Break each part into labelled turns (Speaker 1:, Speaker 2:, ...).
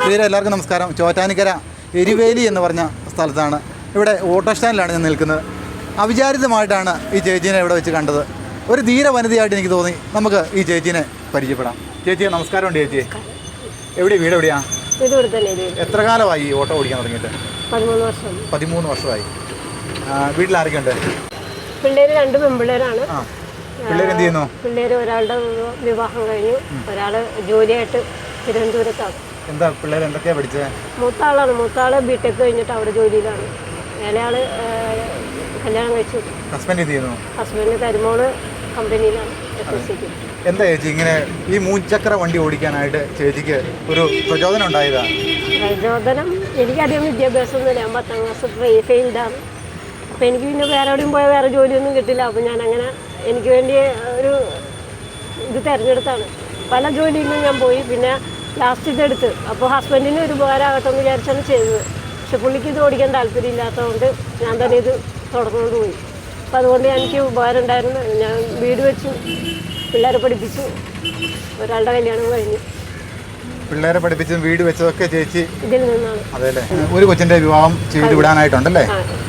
Speaker 1: പ്രിയരെ എല്ലാവർക്കും നമസ്കാരം. ചോറ്റാനിക്കര എരിവേലി എന്ന് പറഞ്ഞ സ്ഥലത്താണ്. ഇവിടെ ഓട്ടോ സ്റ്റാൻഡിലാണ് ഞാൻ നിൽക്കുന്നത്. അവിചാരിതമായിട്ടാണ് ഈ ചേച്ചീനെ ഇവിടെ വെച്ച് കണ്ടത്. ഒരു ധീര വനിതയായിട്ട് എനിക്ക് തോന്നി. നമുക്ക് ഈ ചേച്ചീനെ പരിചയപ്പെടാം. ചേച്ചിയെ നമസ്കാരമുണ്ട്. ചേച്ചി വീട് എവിടെയാണ്? എത്ര കാലമായി ഈ ഓട്ടോ ഓടിക്കാൻ തുടങ്ങിയിട്ട്? 13 വർഷമായി. വീട്ടിലാരൊക്കെ ഉണ്ട്?
Speaker 2: പിള്ളേര് 2 പെൺപിള്ളേരാണ്.
Speaker 1: പിള്ളേർ എന്ത് ചെയ്യുന്നു?
Speaker 2: പിള്ളേര് ഒരാളുടെ വിവാഹം കഴിഞ്ഞു, ഒരാള് ജോലിയായിട്ട് തിരുവനന്തപുരത്താണ്.
Speaker 1: എന്താ പിള്ളേർ എന്തൊക്കെയാ പഠിച്ചത്?
Speaker 2: മൂത്താള് ബിടെക് കഴിഞ്ഞിട്ട് അവിടെ ജോലിയിലാണ്. ഇളയാള് കല്യാണം കഴിച്ചു.
Speaker 1: ഹസ്ബൻഡ് എന്ത് ചെയ്യുന്നു?
Speaker 2: ഹസ്ബൻഡ് കരിമോള് കമ്പനിയിലാണ്.
Speaker 1: എന്താ ചേച്ചി ഇങ്ങനെ ഈ 3 ചക്ര വണ്ടി ഓടിക്കാനായിട്ട് ചേച്ചിക്ക് ഒരു പ്രചോദനം ഉണ്ടായതാ?
Speaker 2: പ്രചോദനം എനിക്കധികം വിദ്യാഭ്യാസമൊന്നുമില്ല. ഞാൻ 10ാം ക്ലാസ് ഫെയിൽഡാണ്. അപ്പോൾ എനിക്ക് പിന്നെ വേറെ എവിടെയും പോയാൽ വേറെ ജോലിയൊന്നും കിട്ടില്ല. അപ്പോൾ ഞാനങ്ങനെ എനിക്ക് വേണ്ടി ഒരു ഇത് തിരഞ്ഞെടുത്താണ്. പല ജോലിയിലും ഞാൻ പോയി. പിന്നെ ലാസ്റ്റ് ഇതെടുത്ത് അപ്പോൾ ഹസ്ബൻഡിന് ഒരു ഉപകാരമാകട്ടെ എന്ന് വിചാരിച്ചാണ് ചെയ്തത്. പക്ഷെ പുള്ളിക്ക് ഇത് ഓടിക്കാൻ താല്പര്യമില്ലാത്തതുകൊണ്ട് ഞാൻ തന്നെ ഇത് തുടർന്നുകൊണ്ട് പോയി. അപ്പോൾ അതുകൊണ്ട് എനിക്ക് ഉപകാരം ഉണ്ടായിരുന്നു. ഞാൻ വീട് വെച്ചു, പിള്ളേരെ പഠിപ്പിച്ചു, ഒരാളുടെ കല്യാണം കഴിഞ്ഞു.
Speaker 1: പിള്ളേരെ പഠിപ്പിച്ചും വീട് വെച്ചതൊക്കെ ചേച്ചി
Speaker 2: ഇതിൽ നിന്നാണ്.
Speaker 1: അതെല്ലേ. ഒരു കൊച്ചിൻ്റെ വിവാഹം ചെയ്ത് വിടാനായിട്ടുണ്ടല്ലേ?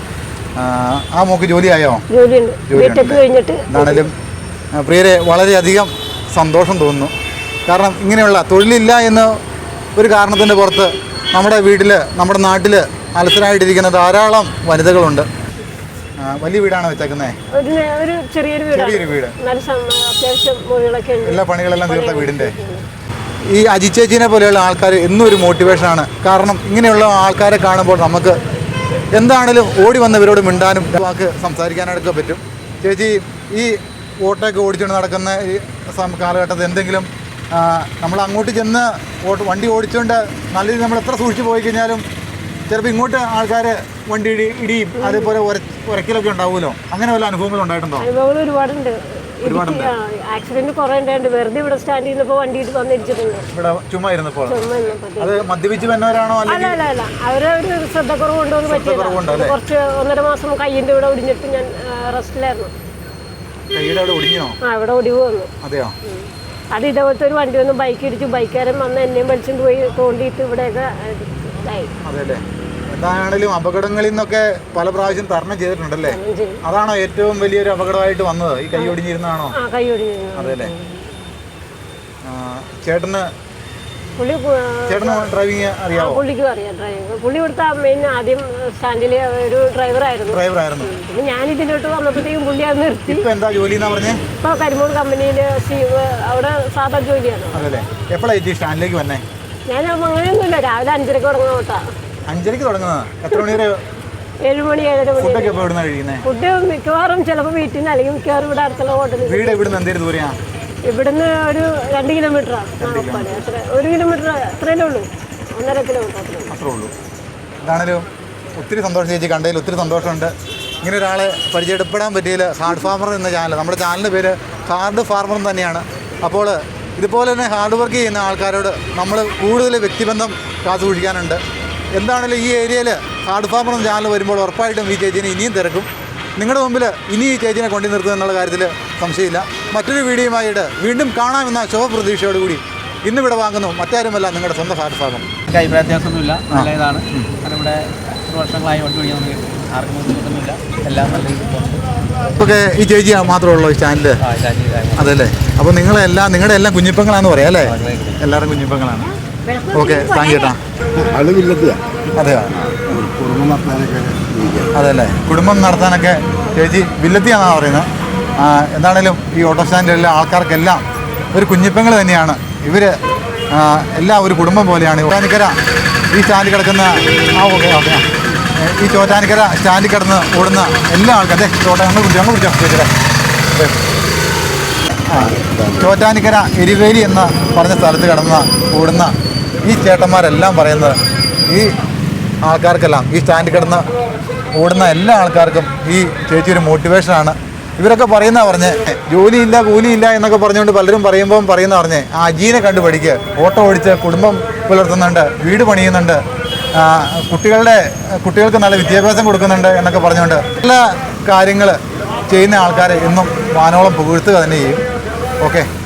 Speaker 1: ആ മോക്ക് ജോലിയായോ?
Speaker 2: ജോലിയുണ്ട്, ബിടെക് കഴിഞ്ഞിട്ട്.
Speaker 1: എന്താണേലും പ്രിയരെ വളരെയധികം സന്തോഷം തോന്നുന്നു. കാരണം ഇങ്ങനെയുള്ള തൊഴിലില്ല എന്ന ഒരു കാരണത്തിൻ്റെ പുറത്ത് നമ്മുടെ വീട്ടിൽ, നമ്മുടെ നാട്ടിൽ അലസരായിട്ടിരിക്കുന്ന ധാരാളം വനിതകളുണ്ട്. വലിയ വീടാണ് വെച്ചേക്കുന്നത്?
Speaker 2: ഒരു ചെറിയൊരു വീട്. അത്യാവശ്യം മുറികളൊക്കെ ഉണ്ട്.
Speaker 1: എല്ലാ പണികളെല്ലാം തീർത്ത വീടിൻ്റെ. ഈ അജി ചേച്ചീനെ പോലെയുള്ള ആൾക്കാർ എന്നും ഒരു മോട്ടിവേഷനാണ്. കാരണം ഇങ്ങനെയുള്ള ആൾക്കാരെ കാണുമ്പോൾ നമുക്ക് എന്താണേലും ഓടി വന്നവരോട് മിണ്ടാനും വാക്ക് സംസാരിക്കാനായിട്ടൊക്കെ പറ്റും. ചേച്ചി ഈ ഓട്ടോയൊക്കെ ഓടിച്ചുകൊണ്ട് നടക്കുന്ന ഈ കാലഘട്ടത്തിൽ എന്തെങ്കിലും നമ്മൾ അങ്ങോട്ട് ചെന്ന് വണ്ടി ഓടിച്ചുകൊണ്ട് നല്ല രീതിയിൽ നമ്മൾ എത്ര സൂക്ഷിച്ച് പോയി കഴിഞ്ഞാലും ചിലപ്പോൾ ഇങ്ങോട്ട് ആൾക്കാർ വണ്ടി ഇടിയും അതേപോലെ ഉരക്കലൊക്കെ ഉണ്ടാവുമല്ലോ. അങ്ങനെ വല്ല അനുഭവങ്ങൾ ഉണ്ടായിട്ടുണ്ടോ?
Speaker 2: അനുഭവങ്ങൾ ഒരുപാടുണ്ട്. ആക്സിഡന്റ് കുറെ ഉണ്ടായിട്ടുണ്ട്. വെറുതെ ഇവിടെ സ്റ്റാൻഡ് ചെയ്യുന്നപ്പോൾ വണ്ടി വന്നിരിച്ചിട്ടുണ്ട്.
Speaker 1: ഇവിടെ ചുമ്മാ ഇരുന്നപ്പോൾ അത് മദ്യപിച്ച് വന്നവരാണോ?
Speaker 2: അല്ല, അവരെ ഒരു ശ്രദ്ധക്കുറവ് കൊണ്ടുവന്ന് പറ്റിയത്. കുറച്ച് 1.5 മാസം കയ്യിന്റെ ഇവിടെ ഒടിഞ്ഞിട്ട് ഞാൻ റെസ്റ്റിലായിരുന്നു. ഇവിടെ ഒടിവ് വന്നു.
Speaker 1: അതെയോ?
Speaker 2: അത് ഇതേപോലത്തെ ഒരു വണ്ടി വന്ന് ബൈക്ക് ഇടിച്ചു. ബൈക്കുകാരൻ വന്ന് എന്നെയും വലിച്ചുകൊണ്ട് പോയി തോണ്ടിയിട്ട് ഇവിടെയൊക്കെ ഇതായി.
Speaker 1: എന്താണെങ്കിലും അപകടങ്ങളിൽ നിന്നൊക്കെ പല പ്രാവശ്യം തരണം ചെയ്തിട്ടുണ്ടല്ലേ? അതാണോ ഏറ്റവും വലിയൊരു അപകടമായിട്ട് വന്നത്? ഈ കൈ ഒടിഞ്ഞിരുന്നാണോ? അതെല്ലേ. ചേട്ടന് ഡ്രൈവിംഗ് അറിയാമോ?
Speaker 2: പുള്ളിക്കും അറിയാം ഡ്രൈവിംഗ്. പുള്ളി ഇവിടുത്തെ മെയിൻ ആദ്യം സ്റ്റാൻഡിലെ ഒരു ഡ്രൈവറായിരുന്നു. പിന്നെ ഞാൻ ഇതിലോട്ട് വന്നപ്പോഴത്തേക്കും പുള്ളി അത് നിർത്തി.
Speaker 1: എന്താ ജോലി എന്നാ പറഞ്ഞേ?
Speaker 2: ഇപ്പൊ കരിമൂർ കമ്പനിയിൽ അവിടെ സാധാ ജോലിയാണ്.
Speaker 1: അതല്ലേ. എപ്പോഴാണ് സ്റ്റാൻഡിലേക്ക് വന്നേ?
Speaker 2: ഞാൻ അങ്ങനെയൊന്നുമില്ല, രാവിലെ 5:30 തുടങ്ങുന്ന ഓട്ടാ.
Speaker 1: 5:30 തുടങ്ങുന്നത്? എത്ര മണി വരെ?
Speaker 2: 7 മണി 7:30 മണി.
Speaker 1: ഫുഡൊക്കെ എപ്പോൾ ഇവിടുന്ന് കഴിയുന്നത്?
Speaker 2: ഫുഡ് മിക്കവാറും ചിലപ്പോൾ വീട്ടിൽ നിന്ന്, അല്ലെങ്കിൽ മിക്കവാറും ഇവിടെ അടുത്തുള്ള ഹോട്ടലിൽ.
Speaker 1: വീട് ഇവിടുന്ന് എന്തേലും ദൂരെയാ?
Speaker 2: ഇവിടുന്ന് ഒരു 2 കിലോമീറ്ററാണ്. 1 കിലോമീറ്റർ അത്രയല്ലേ ഉള്ളൂ. 1.5 കിലോമീറ്റർ
Speaker 1: അത്രേ ഉള്ളൂ. എന്താണേലും ഒത്തിരി സന്തോഷം ചേച്ചി, കണ്ടതിൽ ഒത്തിരി സന്തോഷമുണ്ട്. ഇങ്ങനെ ഒരാളെ പരിചയപ്പെടാൻ പറ്റിയതിൽ ഹാർഡ് ഫാർമർ എന്ന ചാനൽ, നമ്മുടെ ചാനലിൻ്റെ പേര് ഹാർഡ് ഫാർമർ തന്നെയാണ്. അപ്പോൾ ഇതുപോലെ തന്നെ ഹാർഡ് വർക്ക് ചെയ്യുന്ന ആൾക്കാരോട് നമ്മൾ കൂടുതൽ വ്യക്തിബന്ധം കാത്തു സൂക്ഷിക്കാനുണ്ട്. എന്താണെങ്കിലും ഈ ഏരിയയിൽ ഹാർഡ് ഫാർമർ എന്ന ചാനൽ വരുമ്പോൾ ഉറപ്പായിട്ടും ഈ ചേച്ചീനെ ഇനിയും തിരക്കും. നിങ്ങളുടെ മുമ്പിൽ ഇനി ഈ ചേച്ചീനെ കൊണ്ടു നിർത്തുക എന്നുള്ള കാര്യത്തിൽ സംശയമില്ല. മറ്റൊരു വീഡിയോയുമായിട്ട് വീണ്ടും കാണാമെന്ന ശുഭപ്രതീക്ഷയോടുകൂടി ഇന്നിവിടെ വാങ്ങുന്നു. മറ്റാരുമല്ല, നിങ്ങളുടെ സ്വന്തം ഹാർഡ് ഫാർമർ.
Speaker 3: അഭിപ്രായ വ്യത്യാസമൊന്നുമില്ല, നല്ല ഇതാണ്. ഇവിടെ 100 വർഷങ്ങളായി വണ്ടി ഓടിക്കാൻ നമുക്ക് ആർക്കും ബുദ്ധിമുട്ടൊന്നുമില്ല. എല്ലാം നല്ല രീതിയിൽ.
Speaker 1: ഓക്കെ. ഈ ചേച്ചി മാത്രമേ ഉള്ളൂ ഈ ചാനല്? അതല്ലേ. അപ്പോൾ നിങ്ങളുടെ എല്ലാം കുഞ്ഞിപ്പങ്ങളാന്ന് പറയാം അല്ലേ? എല്ലാവരും കുഞ്ഞിപ്പങ്ങളാണ്. Okay, thank you. അതെയോ? അതല്ലേ. കുടുംബം നടത്താനൊക്കെ ചേച്ചി വില്ലത്തിയാണെന്നാണ് പറയുന്നത്. എന്താണേലും ഈ ഓട്ടോ സ്റ്റാൻഡിലുള്ള ആൾക്കാർക്കെല്ലാം ഒരു കുഞ്ഞിപ്പങ്ങൾ തന്നെയാണ് ഇവർ. എല്ലാം ഒരു കുടുംബം പോലെയാണ്. ചോറ്റാനിക്കര ഈ സ്റ്റാൻഡിൽ കിടക്കുന്ന ഈ ചോറ്റാനിക്കര സ്റ്റാൻഡിൽ കിടന്ന് ഓടുന്ന എല്ലാ ആൾക്കാരും ചോറ്റാനിക്കര എരിവേലി എന്ന പറഞ്ഞ സ്ഥലത്ത് ഓടുന്ന ഈ ചേട്ടന്മാരെല്ലാം പറയുന്നത് ഈ ആൾക്കാർക്കെല്ലാം, ഈ സ്റ്റാൻഡിൽ കിടന്ന് ഓടുന്ന എല്ലാ ആൾക്കാർക്കും ഈ ചേച്ചി ഒരു മോട്ടിവേഷനാണ്. ഇവരൊക്കെ പറഞ്ഞ് ജോലിയില്ല കൂലിയില്ല എന്നൊക്കെ പറഞ്ഞുകൊണ്ട് പലരും പറയുന്ന പറഞ്ഞ് ആ അജീനെ കണ്ടു പഠിക്കുക. ഓട്ടോ ഓടിച്ച് കുടുംബം പുലർത്തുന്നുണ്ട്, വീട് പണിയുന്നുണ്ട്, കുട്ടികൾക്ക് നല്ല വിദ്യാഭ്യാസം കൊടുക്കുന്നുണ്ട് എന്നൊക്കെ പറഞ്ഞുകൊണ്ട് നല്ല കാര്യങ്ങൾ ചെയ്യുന്ന ആൾക്കാരെ എന്നും വാനോളം പുകഴ്ത്തുക തന്നെ ചെയ്യും. ഓക്കെ.